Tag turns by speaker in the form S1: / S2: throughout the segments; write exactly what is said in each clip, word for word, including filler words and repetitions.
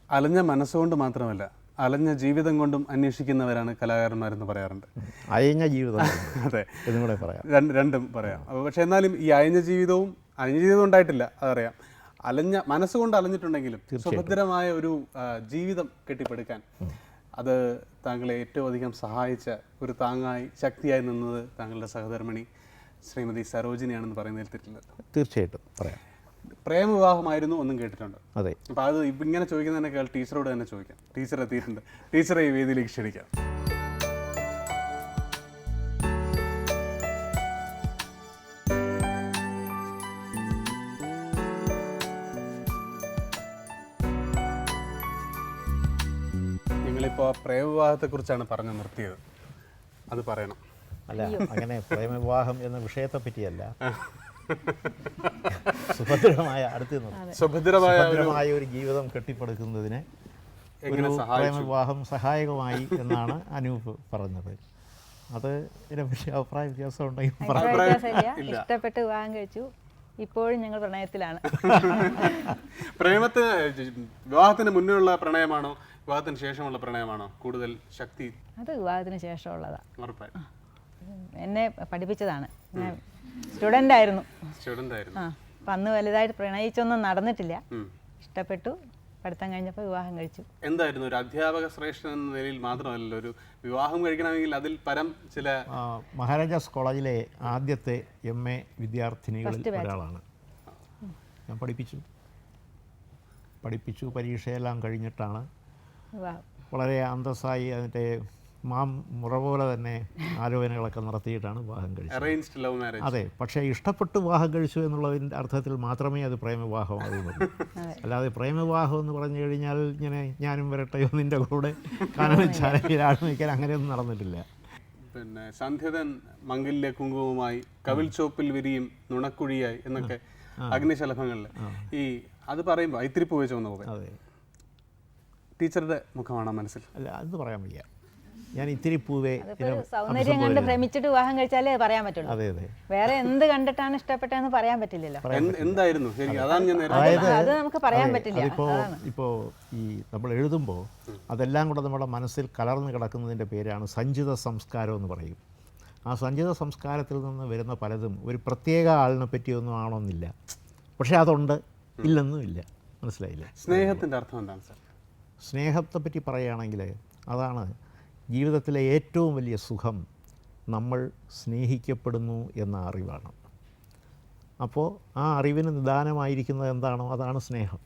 S1: അലഞ്ഞ മനസ്സുകൊണ്ട് മാത്രമല്ല, അലഞ്ഞ ജീവിതം കൊണ്ടും അന്വേഷിക്കുന്നവരാണ് കലാകാരന്മാരെന്ന് പറയാറുണ്ട്.
S2: അയഞ്ഞ ജീവിതം.
S1: അതെ,
S2: ഇതും കൂടെ പറയാം.
S1: രണ്ടും പറയാം. അപ്പോൾ പക്ഷേ എന്നാലും ഈ അയഞ്ഞ ജീവിതവും അയഞ്ഞ ജീവിതം ഉണ്ടായിട്ടില്ല, അതറിയാം. അലഞ്ഞ മനസ്സുകൊണ്ട് അലഞ്ഞിട്ടുണ്ടെങ്കിലും സുഭദ്രമായ ഒരു ജീവിതം കെട്ടിപ്പടുക്കാൻ അത് താങ്കളെ ഏറ്റവും അധികം സഹായിച്ച ഒരു താങ്ങായി ശക്തിയായി നിന്നത് താങ്കളുടെ സഹധർമ്മിണി ശ്രീമതി സരോജിനിയാണെന്ന് പറയുന്നതിൽ തെറ്റില്ല.
S2: തീർച്ചയായിട്ടും പറയാം.
S1: പ്രേമവിവാഹമായിരുന്നു ഒന്നും കേട്ടിട്ടുണ്ട്.
S2: അതെ.
S1: അപ്പോൾ അത് ഇപ്പം ഇങ്ങനെ ചോദിക്കുന്നതിനേക്കാൾ ടീച്ചറോട് തന്നെ ചോദിക്കാം. ടീച്ചർ എത്തിയിട്ടുണ്ട്, ടീച്ചറെ ഈ വേദിയിലേക്ക് ക്ഷണിക്കാം. ഞങ്ങളിപ്പോൾ പ്രേമവിവാഹത്തെക്കുറിച്ചാണ് പറഞ്ഞു നിർത്തിയത്, അത് പറയണം.
S2: അല്ല, അങ്ങനെ പ്രേമവിവാഹം എന്ന വിഷയത്തെ പറ്റിയല്ല, സുഭദ്രമായ അടുത്ത് സുഭദ്രമായ ഒരു ജീവിതം കെട്ടിപ്പടുക്കുന്നതിന് ഒരു പ്രേമവിവാഹം സഹായകമായി എന്നാണ് അനൂപ് പറഞ്ഞത്. അത് ഇതിനെപ്പറ്റി അഭിപ്രായ വ്യത്യാസം ഉണ്ടെങ്കിൽ
S3: ഇഷ്ടപ്പെട്ട് വിവാഹം കഴിച്ചു, ഇപ്പോഴും ഞങ്ങൾ പ്രണയത്തിലാണ്.
S1: പ്രേമത്തിന് വിവാഹത്തിന് മുന്നേയുള്ള പ്രണയമാണോ വിവാഹത്തിന് ശേഷമുള്ള പ്രണയമാണോ കൂടുതൽ ശക്തി?
S3: അത് വിവാഹത്തിന് ശേഷമുള്ളതാ. എന്നെ പഠിപ്പിച്ചതാണ്. ഞാൻ സ്റ്റുഡൻ്റ് ആയിരുന്നു.
S1: സ്റ്റുഡൻ്റ് ആയിരുന്നു.
S3: ആ, അപ്പം അന്ന് വലുതായിട്ട് പ്രണയിച്ചൊന്നും നടന്നിട്ടില്ല. ഇഷ്ടപ്പെട്ടു, പഠിത്തം കഴിഞ്ഞപ്പോൾ വിവാഹം കഴിച്ചു.
S1: എന്തായിരുന്നു ഒരു അധ്യാപക ശ്രേഷ്ഠൻ എന്ന നിലയിൽ മാത്രമല്ലല്ലോ, ഒരു വിവാഹം കഴിക്കണമെങ്കിൽ അതിൽ പരം ചില
S2: മഹാരാജാസ് കോളേജിലെ ആദ്യത്തെ എം എ വിദ്യാർത്ഥിനികളിൽ ഒരാളാണ്. ഞാൻ പഠിപ്പിച്ചു പഠിപ്പിച്ചു പരീക്ഷയെല്ലാം കഴിഞ്ഞിട്ടാണ് വളരെ അന്തസ്സായി അതിൻ്റെ മാം മുറ പോലെ തന്നെ ആലോചനകളൊക്കെ നടത്തിയിട്ടാണ് വിവാഹം കഴിച്ചത്. അതെ, പക്ഷേ ഇഷ്ടപ്പെട്ട് വിവാഹം കഴിച്ചു എന്നുള്ളതിൻ്റെ അർത്ഥത്തിൽ മാത്രമേ അത് പ്രേമവിവാഹമാകുന്നുള്ളൂ. അല്ലാതെ പ്രേമവിവാഹം എന്ന് പറഞ്ഞു കഴിഞ്ഞാൽ ഇങ്ങനെ ഞാനും വരട്ടെയോ നിൻ്റെ കൂടെ കാനനച്ചാലയിൽ ആഴ്മയ്ക്കാൻ അങ്ങനെയൊന്നും നടന്നിട്ടില്ല.
S1: പിന്നെ സന്ധ്യതൻ മംഗല്യ കുങ്കുമമായി കവിൽ ചോപ്പിൽ വിരിയും നുണക്കുഴിയായി എന്നൊക്കെ അഗ്നിശലഭങ്ങളിൽ ഈ അത് പറയുമ്പോൾ ഐത്തിരിപ്പ് വെച്ച് വന്നു പോകും.
S2: അതെ,
S1: ടീച്ചറുടെ മുഖമാണോ മനസ്സിൽ?
S2: അല്ല, അത് പറയാൻ വയ്യ. ഞാൻ ഇത്തിരി പൂവേ
S3: സൗന്ദര്യം കണ്ട് ഭ്രമിച്ചിട്ട് വിവാഹം കഴിച്ചാലേ പറയാൻ പറ്റുള്ളൂ.
S2: അതെ അതെ,
S3: വേറെ എന്ത് കണ്ടിട്ടാണ് ഇഷ്ടപ്പെട്ടതെന്ന് പറയാൻ പറ്റില്ലല്ലോ.
S1: എന്തായിരുന്നു
S3: അത് നമുക്ക് പറയാൻ പറ്റില്ല.
S2: ഇപ്പോൾ ഇപ്പോൾ ഈ നമ്മൾ എഴുതുമ്പോൾ അതെല്ലാം കൂടെ നമ്മുടെ മനസ്സിൽ കലർന്ന് കിടക്കുന്നതിൻ്റെ പേരാണ് സഞ്ചിത സംസ്കാരം എന്ന് പറയും. ആ സഞ്ചിത സംസ്കാരത്തിൽ നിന്ന് വരുന്ന പലതും ഒരു പ്രത്യേക ആളിനെ പറ്റിയൊന്നും ആണോന്നില്ല, പക്ഷേ അതുണ്ട്, ഇല്ലെന്നും ഇല്ല. മനസ്സിലായില്ലേ?
S1: സ്നേഹത്തിൻ്റെ അർത്ഥം എന്താണ് സാർ?
S2: സ്നേഹത്തെ പറ്റി പറയുകയാണെങ്കിൽ അതാണ് ജീവിതത്തിലെ ഏറ്റവും വലിയ സുഖം, നമ്മൾ സ്നേഹിക്കപ്പെടുന്നു എന്ന അറിവാണ്. അപ്പോൾ ആ അറിവിന് നിദാനമായിരിക്കുന്നത് എന്താണോ അതാണ് സ്നേഹം.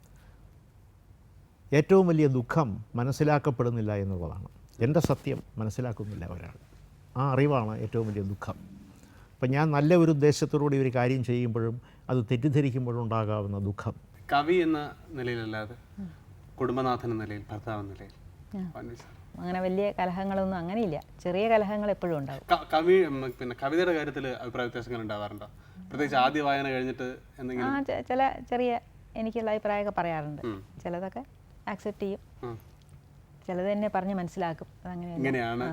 S2: ഏറ്റവും വലിയ ദുഃഖം മനസ്സിലാക്കപ്പെടുന്നില്ല എന്നുള്ളതാണ്. എൻ്റെ സത്യം മനസ്സിലാക്കുന്നില്ല ഒരാൾ, ആ അറിവാണ് ഏറ്റവും വലിയ ദുഃഖം. അപ്പം ഞാൻ നല്ല ഒരു ഉദ്ദേശത്തോടുകൂടി ഒരു കാര്യം ചെയ്യുമ്പോഴും അത് തെറ്റിദ്ധരിക്കുമ്പോഴും ഉണ്ടാകാവുന്ന ദുഃഖം.
S1: കവി എന്ന നിലയിലല്ലാതെ കുടുംബനാഥൻ എന്ന നിലയിൽ, ഭർത്താവ് എന്ന നിലയിൽ
S3: അങ്ങനെ വലിയ കലഹങ്ങളൊന്നും അങ്ങനെയില്ല. ചെറിയ കലഹങ്ങൾ എപ്പോഴും ഉണ്ടാവും.
S1: കവി പിന്നെ കവിതയുടെ കാര്യത്തിൽ അഭിപ്രായ വ്യത്യാസങ്ങൾ ഉണ്ടാവാറുണ്ടോ? പ്രത്യേകിച്ച് ആദ്യ വായന കഴിഞ്ഞിട്ട് എന്തെങ്കിലും?
S3: ആ, ചില ചെറിയ എനിക്കുള്ള അഭിപ്രായമൊക്കെ പറയാറുണ്ട്. ചിലതൊക്കെ ആക്സെപ്റ്റ് ചെയ്യും, ചിലത് തന്നെ പറഞ്ഞ് മനസ്സിലാക്കും.
S1: അങ്ങനെയാണ്.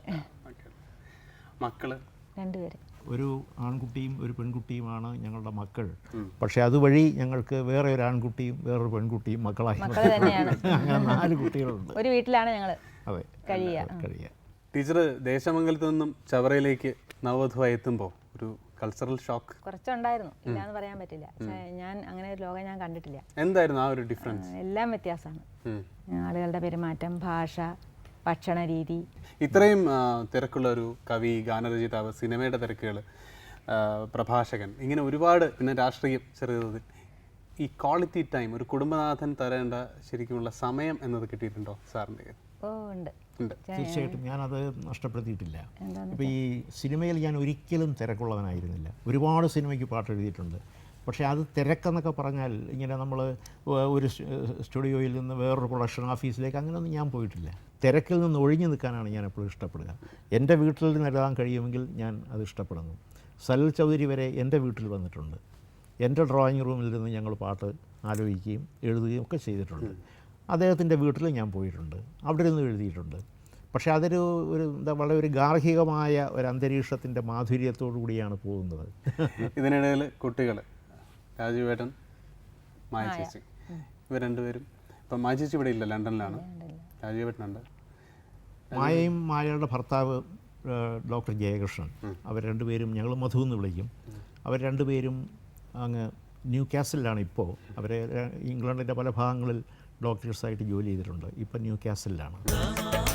S1: മക്കള്
S2: രണ്ടുപേര്, ഒരു ആൺകുട്ടിയും ഒരു പെൺകുട്ടിയുമാണ് ഞങ്ങളുടെ മക്കൾ. പക്ഷെ അതുവഴി ഞങ്ങൾക്ക് വേറെ ഒരു ആൺകുട്ടിയും വേറൊരു പെൺകുട്ടിയും മക്കളായി. അങ്ങനെ നാല് കുട്ടികളുണ്ട്.
S3: ഒരു വീട്ടിലാണ് ഞങ്ങൾ
S2: അതെ
S3: കഴിയുക.
S1: ടീച്ചർ ദേശമംഗലത്ത് നിന്നും ചവറയിലേക്ക് നവവധുവായി എത്തുമ്പോൾ ഒരു കൾച്ചറൽ ഷോക്ക്
S3: കുറച്ചുണ്ടായിരുന്നു, ഇല്ലാന്ന് പറയാൻ പറ്റില്ല. ഞാൻ അങ്ങനെ ഒരു ലോകം ഞാൻ കണ്ടിട്ടില്ല.
S1: എന്തായിരുന്നു ആ ഒരു ഡിഫറൻസ്?
S3: എല്ലാം വ്യത്യാസമാണ്. ആളുകളുടെ പെരുമാറ്റം, ഭാഷ, ഭക്ഷണ രീതി.
S1: ഇത്രയും തിരക്കുള്ള ഒരു കവി, ഗാനരചയിതാവ്, സിനിമയുടെ തിരക്കുകൾ, പ്രഭാഷകൻ, ഇങ്ങനെ ഒരുപാട്, പിന്നെ രാഷ്ട്രീയം ചെറിയ ഈ ക്വാളിറ്റി ടൈം ഒരു കുടുംബനാഥൻ തരേണ്ട ശരിക്കുമുള്ള സമയം എന്നത് കിട്ടിയിട്ടുണ്ടോ സാറിൻ്റെ?
S3: ഓ ഉണ്ട്,
S2: തീർച്ചയായിട്ടും. ഞാനത് നഷ്ടപ്പെടുത്തിയിട്ടില്ല. ഇപ്പോൾ ഈ സിനിമയിൽ ഞാൻ ഒരിക്കലും തിരക്കുള്ളവനായിരുന്നില്ല. ഒരുപാട് സിനിമയ്ക്ക് പാട്ട് എഴുതിയിട്ടുണ്ട്. പക്ഷേ അത് തിരക്കെന്നൊക്കെ പറഞ്ഞാൽ ഇങ്ങനെ നമ്മൾ ഒരു സ്റ്റുഡിയോയിൽ നിന്ന് വേറൊരു പ്രൊഡക്ഷൻ ഓഫീസിലേക്ക് അങ്ങനെയൊന്നും ഞാൻ പോയിട്ടില്ല. തിരക്കിൽ നിന്ന് ഒഴിഞ്ഞു നിൽക്കാനാണ് ഞാൻ എപ്പോഴും ഇഷ്ടപ്പെടുക. എൻ്റെ വീട്ടിൽ നിന്ന് എഴുതാൻ കഴിയുമെങ്കിൽ ഞാൻ അത് ഇഷ്ടപ്പെടുന്നു. സലിൽ ചൗധരി വരെ എൻ്റെ വീട്ടിൽ വന്നിട്ടുണ്ട്. എൻ്റെ ഡ്രോയിങ് റൂമിൽ നിന്ന് ഞങ്ങൾ പാട്ട് ആലോചിക്കുകയും എഴുതുകയും ഒക്കെ ചെയ്തിട്ടുണ്ട്. അദ്ദേഹത്തിൻ്റെ വീട്ടിൽ ഞാൻ പോയിട്ടുണ്ട്, അവിടെ നിന്ന് എഴുതിയിട്ടുണ്ട്. പക്ഷേ അതൊരു ഒരു എന്താ വളരെ ഒരു ഗാർഹികമായ ഒരു അന്തരീക്ഷത്തിൻ്റെ മാധുര്യത്തോടു കൂടിയാണ് പോകുന്നത്.
S1: ഇതിനിടയിൽ കുട്ടികൾ രാജുവേട്ടൻ, മായ ചേച്ചി, ഇവർ രണ്ടുപേരും ഇപ്പം മായ ചേച്ചി ഇവിടെ ഇല്ല, ലണ്ടനിലാണ്. രാജീവേട്ടനുണ്ട്.
S2: മായയും മായയുടെ ഭർത്താവ് ഡോക്ടർ ജയകൃഷ്ണൻ, അവർ രണ്ടുപേരും ഞങ്ങൾ മധു എന്ന് വിളിക്കും. അവർ രണ്ടുപേരും അങ്ങ് ന്യൂ കാസിലാണ് ഇപ്പോൾ. അവർ ഇംഗ്ലണ്ടിൻ്റെ പല ഭാഗങ്ങളിൽ ഡോക്ടേഴ്സായിട്ട് ജോലി ചെയ്തിട്ടുണ്ട്. ഇപ്പം ന്യൂ കാസിലാണ്.